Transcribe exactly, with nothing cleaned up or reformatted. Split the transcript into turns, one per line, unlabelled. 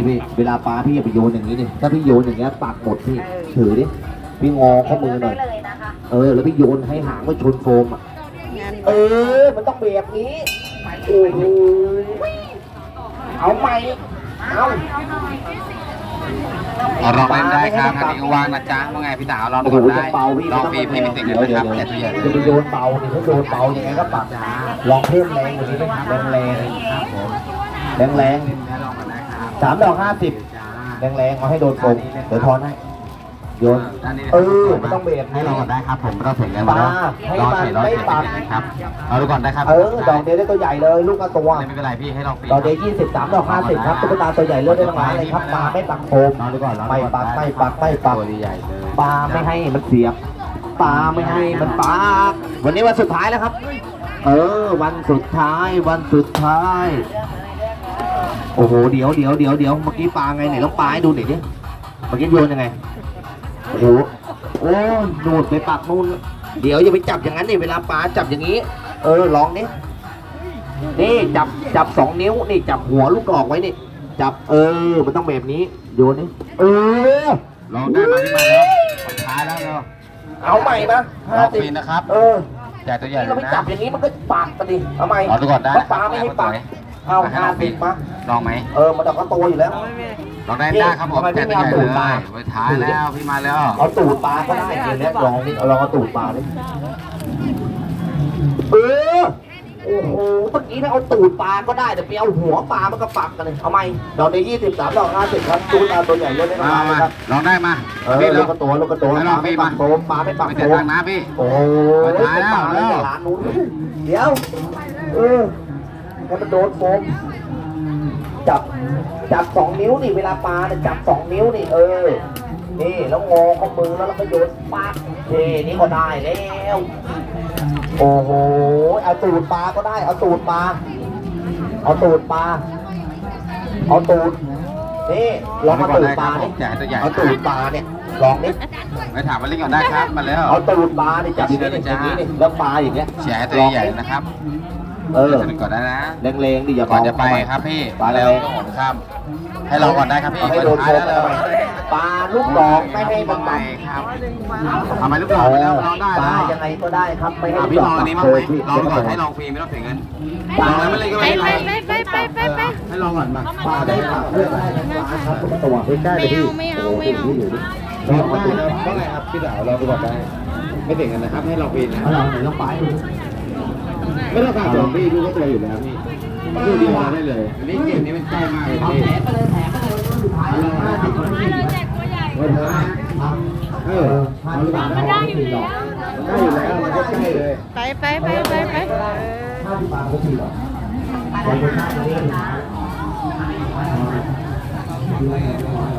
พี่เวลาปลาพี่อย่าไปโยนอย่างนี้ดิถ้าพี่โยนอย่างเงี้ยปากหมดพี่ถือดิพี่งอข้อมือหน่อยเออแล้วพี่โยนให้หางมันชนโฟมอ่ะเออมันต้องแบบนี้โอ้โหเอาใหม่เอา
เอาลองเล่นได้ครับอันนี้ก็ว่างนะจ๊ะว่าไงพี่สาวลองดูได้ลองฟรีพี่ไม่ติดเงินนะครับแต่ตัวใหญ่เลย
จะไปโยนเบาดิถ้าโยนเบายังไงก็ปากจ้าลองเพิ่มแรงกว่านี้ไหมครับแรงแรงครับผมแรงแรงสามดอกห้าสิบแรงแรงเอาให้โดนโกงเดี๋ยวทอนให้โยนเออมันต้องเบรก
ให้ลองก่อนได้ครับผมไม่ต้องเสียเงิน
ปลา
แล้ว
ให้
รอ
มัน
เฉยรอ
ไม่
เฉย
ปัก
ครับเอาดูก่อนได้ครับ
เออดอกเดียวได้ตัวใหญ่เลยลูกละตัว
ไม่เป็นไรพี่ให้ลองฟรี
ดอกเดียวยี่สิบสามดอกห้าสิบครับตุ๊กตาตัวใหญ่เลือกได้ทั้งหลายเลยครับปลาไม่ปักโฟม
ลองดูก่อน
ไม่ปักไม่ปักไม่ปัก
ตัวใหญ่เลย
ปลาไม่ให้มันเสียบปลาไม่ให้มันปากวันนี้วันสุดท้ายแล้วครับ เออ วันสุดท้าย วันสุดท้าย โอ้โห เดี๋ยวเดี๋ยวเดี๋ยวเดี๋ยวเมื่อกี้ปลาไงไหนต้องปลาให้ดูหน่อยดิเมื่อกี้โยนยังไง โอ้โห โอ้นูดไปปากนู่น เดี๋ยวอย่าไปจับอย่างนั้นดิเวลาปลาจับอย่างนี้ เออ ลองนี่นี่จับจับสองนิ้ว นี่จับหัวลูกกรอกไว้นี่ จับ เออ มันต้องแบบนี้ โยนนี่ เออ
ลองได้มาที่มาแล้วสุดท้ายแล้วเนาะ
เอาใหม่นะ
ลองฟรีนะครับ
เออ
ใหญ่ตัวใหญ่
นี่
เล
เรา
ย
ไม่
นะ
จับอย่างนี้มันก็ปากกันดิเอาใหม่
เอาดูก่อนได้
เพราะปลาไม่ให้ปากเอาห้าสิบมา
ลองไหม
เออ มันเอาก็โตอยู่แล้ว
ลองได้ได้ครับผมแต่ตัวใหญ่เลยสุดท้ายแล้วพี่มาแล้ว
เอาตูดปลาก็ได้เดี๋ยวนี้ลองนี่เอาลองเอาตูดปลาดิเออ โอ้โห เมื่อกี้ถ้าเอาตูดปลาก็ได้แต่ไปเอาหัวปลามันก็ปักกันเลยเอาไหมดอกในยี่สิบสามดอกห้าสิบครับตูดปลาตัวใหญ่เยอะได้
มา
มา
มา
ครับ
ลองได้มา
เออลูกกระตัวลูกกระตัวปลาไม่ปักโฟมปลาไม่ปัก
ไม่
โฟ
เสีย
ม
ตังค์นะพี่
โอ้โห
ตายแล้ว
ปลาในร้านนู้นเดี๋ยว เออให้มันโดนโฟมจับ จับสองนิ้วนี่เวลาปลาเนี่ยจับสองนิ้วนี่เออ นี่แล้วงอข้อมือแล้วแล้วก็โยนปากเท่นี่ก็ได้แล้ว โอ้โห เอาตูดปลาก็ได้ เอาตูดปลา เอาตูดปลา เอาตูด นี่ลองเอาตูดปลาดิ
ใหญ่ตัวใหญ่
เอาตูดปลาเนี่ย ลองดิ
ไปถามมาเล่นก่อนได้ครับมาแล้ว
เอาตูดปลาดิจับอย่างนี้อย่างนี้นี่แล้วปลาอย่างเงี้ย
เชียร์ให้ตัวใหญ่นะครับ
เออ
จะเป็นก่อนได้นะ
แรงๆดิอย่า
ก่อน
เบา
จะไปครับพี่
ปลาแร
แล้ว
ง
ก็หมครับให้ลองก่อนได้ครับพี่
เอาให้โดน
ท้าย
โฟ
แล้ว
ม
เลย
ปลาลูกดอกไม่ให้มัน
ไป
ปัก
ครับทำไมลูกดอกไปแล้วลองได้
ปลา
แล้ว
ยังไงก็ได้ครับไม่ให้
อ่ะ
ลูก
พี่
ด
ล
อ
อก ง
ปั
อั
ก
นนี้มั้ง
เค
ไหม
ยพี่
ลองก่อนให้ลองฟรีไม่ต้องเสียเงินลองแล้วไม่เล่นก็
ไป
ไม่เป็น
ไป
ไร
ไปไปไปไปไป
ให้ลองก่อนมา
ปลาได้ปักเพื่อได้ปลาครับทุกตัวใกล้ๆไปพี่
ไม่เอาไม่เอา
ลองมาดู
เท่าไหร่ครับพี่สาวเราดูก่อนได้ไม่เสียเงินนะครับให้ลองฟรีนะ
เอาลองหน่อยลองไปดู
ไม่ต้องการสองพี่ดูก็ตัวอยู่แล้วพี่ดูดีมาได้เลยอันนี้เกมนี้มันใกล้มากเลย
เอา
พี่
แผลไปเลยแผลไปเลยสุดท้ายแล้วห้าสิบนาที
เราแจกตัวใหญ่
เออเออเอาหรือเปล่า
มันได้อยู่แล้ว
ใกล้อยู่แล้วมันก็ใกล้เลย
ไปไปไปไปไป
ห้าสิบบาทก็สี่หรอไปไปห้าสิบ